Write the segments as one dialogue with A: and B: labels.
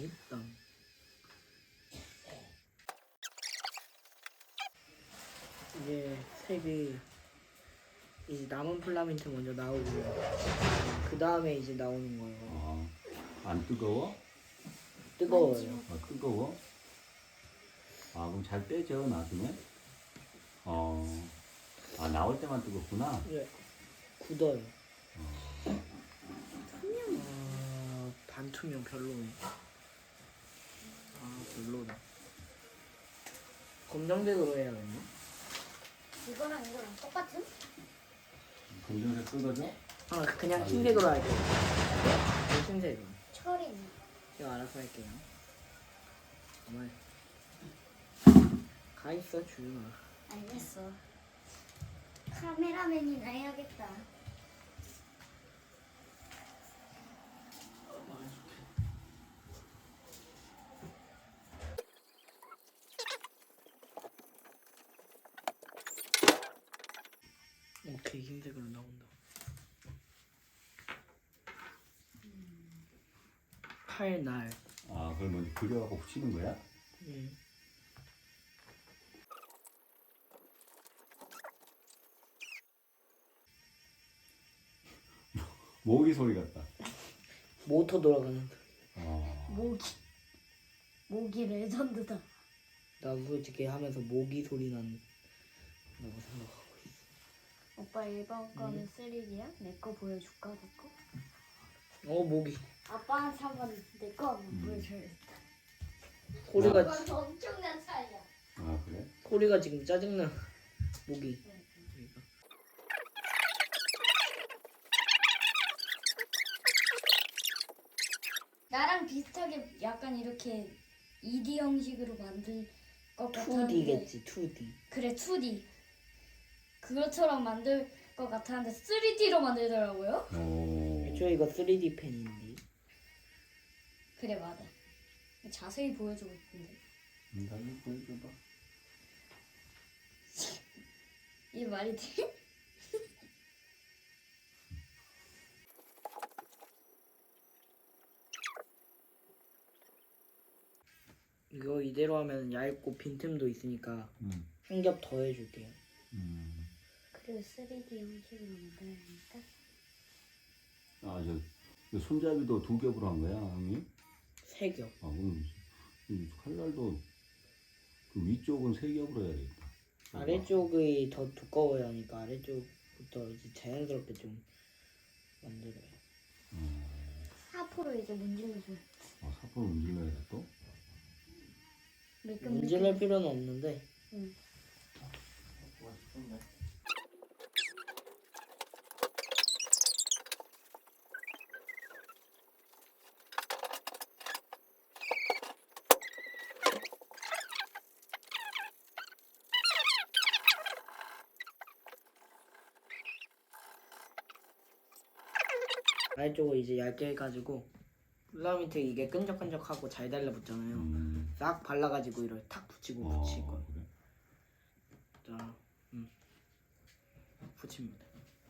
A: 일단 이제 색이 이제 남은 필라멘트 먼저 나오고 그 다음에 이제 나오는 거예요.
B: 안 뜨거워?
A: 뜨거워요.
B: 아, 뜨거워? 아, 그럼 잘 떼져, 나중에? 아, 나올 때만 뜨겁구나?
A: 네, 굳어요.
C: 투명.
A: 반투명 별로네. 별로다. 검정색으로 해야겠네.
C: 이거랑 이거랑 똑같은?
B: 검정색 뜯어져?
A: 그냥 흰색으로 할게요. 흰색으로.
C: 철이 있네.
A: 제가 알아서 할게요. 정말 가 있어 주윤아.
C: 알겠어. 카메라맨이나 해야겠다.
A: 오케이, 흰색으로 나온다. 칼날.
B: 아, 그걸 먼저 그려갖고 붙이는 거야? 모기 소리 같다.
A: 모터 돌아가는.
C: 모기 레전드다.
A: 나도 솔직히 하면서 모기 소리 난다고 생각하고 있어.
C: 오빠 이번 거는 3D야? 내 거 보여줄까? 내 거?
A: 모기.
C: 아빠한테 한번 내 거 한번 보여줘야겠다.
A: 소리가
C: 이건 엄청난 차이야.
B: 아, 그래?
A: 소리가 지금 짜증나. 모기.
C: 나랑 비슷하게 약간 이렇게 2D 형식으로 만들 것 같았는데
A: 2D겠지, 2D.
C: 그래 2D 그것처럼 만들 것 같았는데 3D로 만들더라고요.
A: 저 이거 3D 펜인데.
C: 그래 맞아. 자세히 보여주고 있는데
B: 나도 보여줘봐.
C: 이게 말이 돼?
A: 이거 이대로 하면 얇고 빈틈도 있으니까 한 겹 더 해줄게요.
C: 그리고 3D 형식으로 만들어야니까
B: 아, 저 손잡이도 2겹으로 한 거야, 형님?
A: 3겹.
B: 아, 그럼 이 칼날도 그 위쪽은 3겹으로 해야겠다.
A: 아래쪽이 더 두꺼워야 하니까 아래쪽부터 이제 자연스럽게 좀 만들어요.
C: 4% 이제 문질러줘요.
B: 사포를 문질러야 돼, 또?
A: 문질릴 필요는 없는데.
C: 응.
A: 아래쪽을 이제 얇게 해가지고 필라멘트 이게 끈적끈적하고 잘 달라붙잖아요. 싹 발라가지고 이렇게 탁 붙이고 붙일 거예요.
B: 그래?
A: 자, 붙입니다.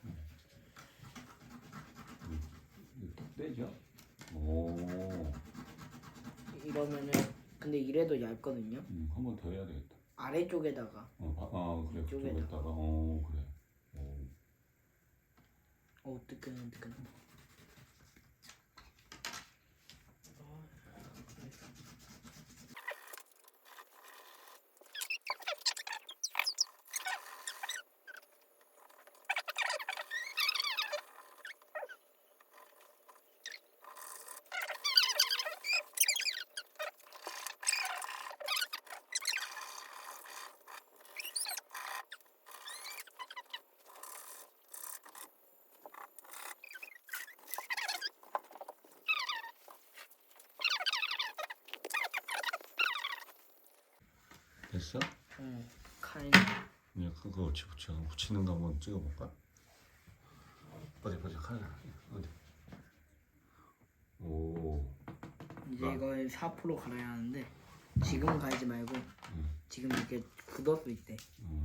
B: 탁 떼죠? 오.
A: 이러면은 근데 이래도 얇거든요.
B: 한 번 더 해야 되겠다.
A: 아래쪽에다가
B: 그래.
A: 이쪽에다가.
B: 그쪽에다가. 그래.
A: 뜨끈뜨끈.
B: 됐어?
A: 칼.
B: 이제 그거 붙이는 거 한번 찍어볼까? 어디 칼 어디? 오.
A: 이제 이걸 4% 갈아야 하는데 지금 갈지 말고 지금 이렇게 굳었을 때.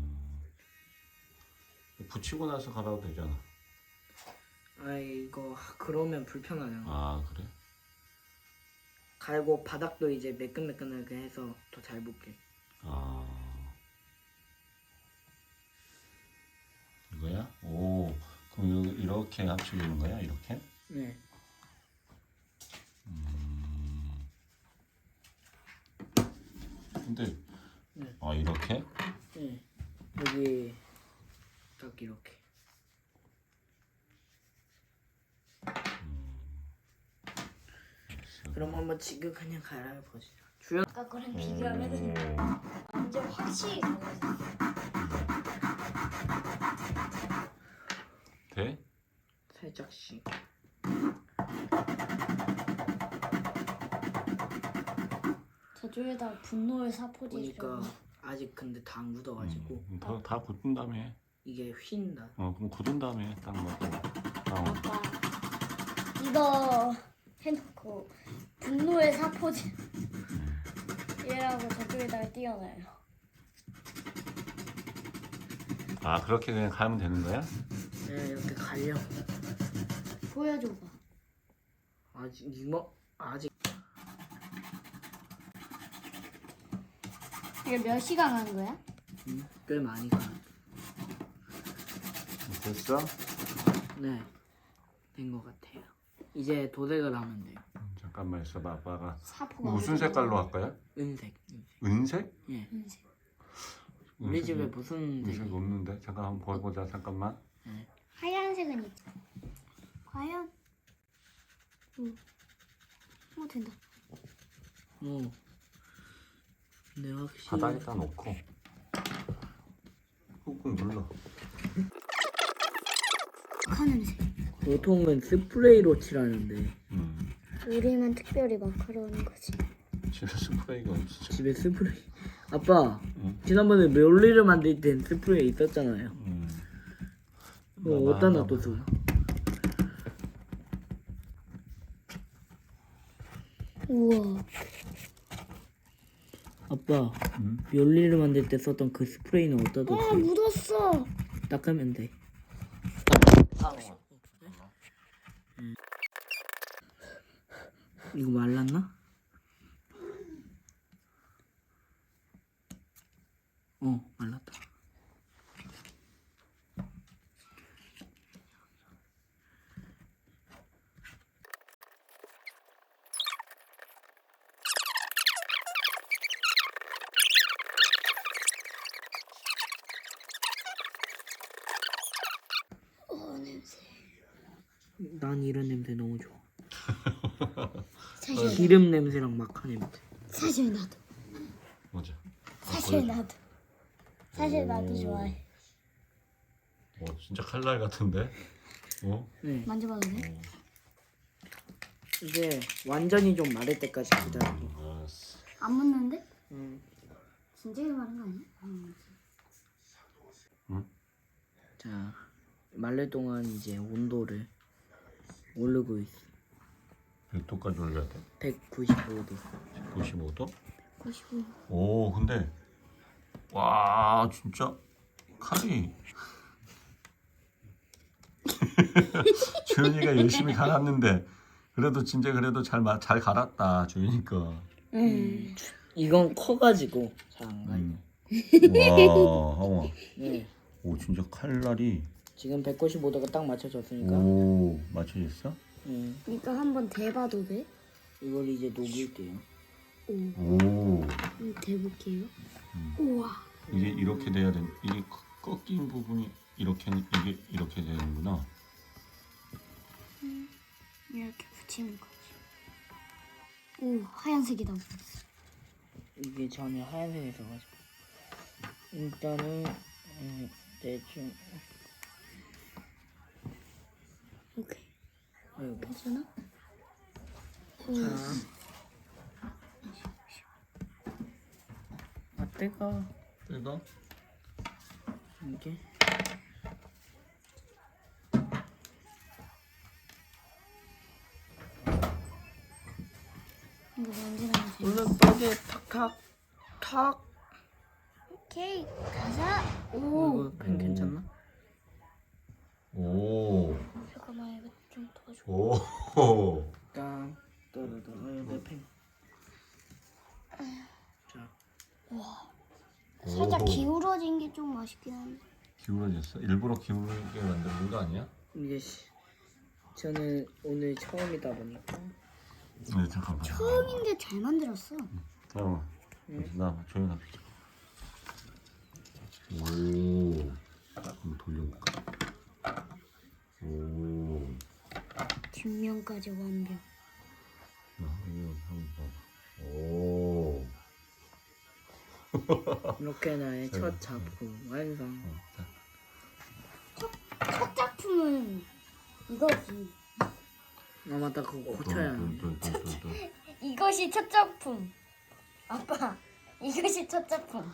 B: 붙이고 나서 갈아도 되잖아.
A: 이거 그러면 불편하잖아.
B: 아, 그래?
A: 갈고 바닥도 이제 매끈매끈하게 해서 더 잘 붙게.
B: 아 이거야? 오 그럼 여기 이렇게 합쳐지는 거야? 이렇게?
A: 네.
B: 근데
A: 네.
B: 아 이렇게?
A: 네. 여기 딱 이렇게. 그럼 한번 지금 그냥 갈아보시죠. 주연.
C: 아까 거랑 비교하면 완전 확실히 달라졌어.
B: 돼?
A: 살짝씩.
C: 저쪽에다 분노의 사포지
A: 보니까 아직 근데 다 안 굳어가지고
B: 다 굳은 다음에
A: 이게 휜다.
B: 그럼 굳은 다음에 딱 넣고
C: 아빠 이거 해놓고 분노의 사포지 얘라고 저쪽에다가 띄워놔요.
B: 아 그렇게 그냥 가면 되는 거야?
A: 네, 이렇게 갈려.
C: 보여줘봐.
A: 아직 이거 아직
C: 이게 몇 시간 한 거야?
A: 꽤 많이 가.
B: 됐어?
A: 네, 된 것 같아요. 이제 도색을 하면 돼요.
B: 잠깐만 있어봐 아빠가
C: 사포가
B: 무슨
C: 어디서
B: 색깔로
C: 나와?
B: 할까요?
A: 은색.
B: 은색?
A: 예.
C: 흰색.
A: 우리 집에 무슨
B: 은색
A: 색이?
B: 없는데 잠깐 한번 보여보자 잠깐만
C: 하얀색은 있다. 과연? 오 된다.
A: 어. 근데 확실히
B: 바닥에다 놓고 꾹꾹 눌러
C: 착한 냄새.
A: 보통은 스프레이로 칠하는데
C: 우리만 특별히 마카로는 거지.
B: 집에 스프레이가 없어
A: 집에 스프레이. 아빠,
B: 응.
A: 지난번에 멸리를 만들 땐 스프레이 있었잖아요. 어디다
B: 하나
A: 놔뒀어?
C: 우와.
A: 아빠,
B: 응?
A: 멸리를 만들 때 썼던 그 스프레이는 어디다
C: 아
A: 뒀어요?
C: 묻었어.
A: 닦으면 돼. 이거 말랐나? 말랐다.
C: 냄새.
A: 난 이런 냄새 너무 좋아.
C: 사실
A: 기름 냄새랑 마카 냄새.
C: 사실 나도.
B: 뭐지?
C: 사실 나도. 사실 나도
B: 오.
C: 좋아해.
B: 진짜 칼날 같은데?
A: 네.
C: 만져봐도 돼?
A: 이제 완전히 좀 마를 때까지 기다리고.
B: 알았어
C: 안 묻는데?
A: 음.
C: 진짜 마른 거 아니야?
A: 자, 말릴 동안 이제 온도를 오르고 있어.
B: 몇 도까지 올려야 돼?
A: 195도.
B: 95도?
C: 95.
B: 오 근데 와 진짜 칼이 주연이가 열심히 갈았는데 그래도 진짜 그래도 잘 갈았다 주연이가.
A: 이건 커가지고 잘 안 가요.
B: 와 하와.
A: 네.
B: 오 진짜 칼날이
A: 지금 195도가 딱 맞춰졌으니까.
B: 오 맞춰졌어?
C: 이거 한번 대봐도 돼?
A: 이걸 이제 녹일게요.
B: 오
C: 대볼게요. 우와.
B: 이게 이렇게 돼야 돼. 이게 꺾인 부분이 이렇게 이게 이렇게 되는구나.
C: 이렇게 붙이는 거지. 오 하얀색이다.
A: 이게 전에 하얀색이 있어가지고. 일단은 대충
C: 오케이.
A: 아이고.
C: 괜찮아?
A: 자. 아 때가
B: 내가
A: 이게
C: 이거 만지라면 돼.
A: 물론 벽에 탁탁탁.
C: 오케이 가자.
A: 이거 펜 괜찮나?
B: 오.
C: 잠깐만 이거 좀 도와줘.
B: 오.
A: 일단 또내 펜.
B: 기울어졌어? 일부러 기울게 만드는 거 아니야?
A: 이게 저는 오늘 처음이다 보니까
B: 네, 잠깐만.
C: 처음인데 잘 만들었어.
B: 나 조용히 합시다. 오, 한번 돌려볼까? 오,
C: 뒷면까지 완벽.
B: 이거 한번 봐봐. 오,
A: 이렇게 나의 첫 작품 완성.
B: 자,
C: 첫 작품은 이거지.
A: 아 맞다 그거 고쳐야 하는데.
B: 뚠뚠뚠뚠뚠.
C: 이것이 첫 작품. 아빠, 이것이 첫 작품.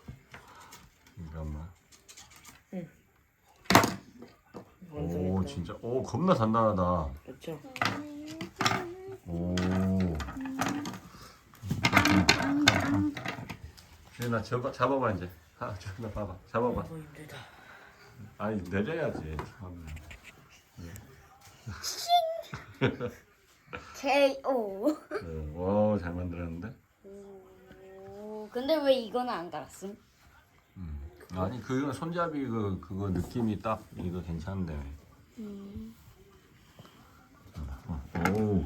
B: 잠깐만. 오,
A: 완성했다.
B: 진짜, 오, 겁나 단단하다.
A: 그렇죠?
B: 오. 주인아, 잡아봐 이제. 주인아 봐봐, 잡아봐.
A: 너무 힘들다.
B: 아니 내려야지.
C: K.O.
B: 와, 잘 만들었는데?
C: 오, 근데 왜 이거는 안 갈았음?
B: 아니 그거 손잡이 그거 느낌이 딱 이거 괜찮은데. 오,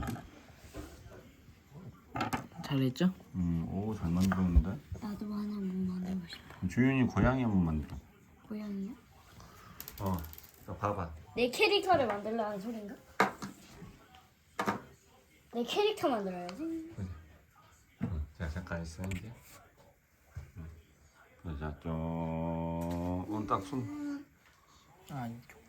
A: 잘했죠?
B: 오, 잘 만들었는데?
C: 나도 하나 뭐 만들고 싶어.
B: 주윤이 고양이 한번 만들어.
C: 고양이야?
B: 자, 봐봐.
C: 내 캐릭터를 만들라는 소린가? 내 캐릭터 만들어야지.
B: 자, 잠깐 있어 이제. 자, 좀, 딱 손.
A: 아 이쪽.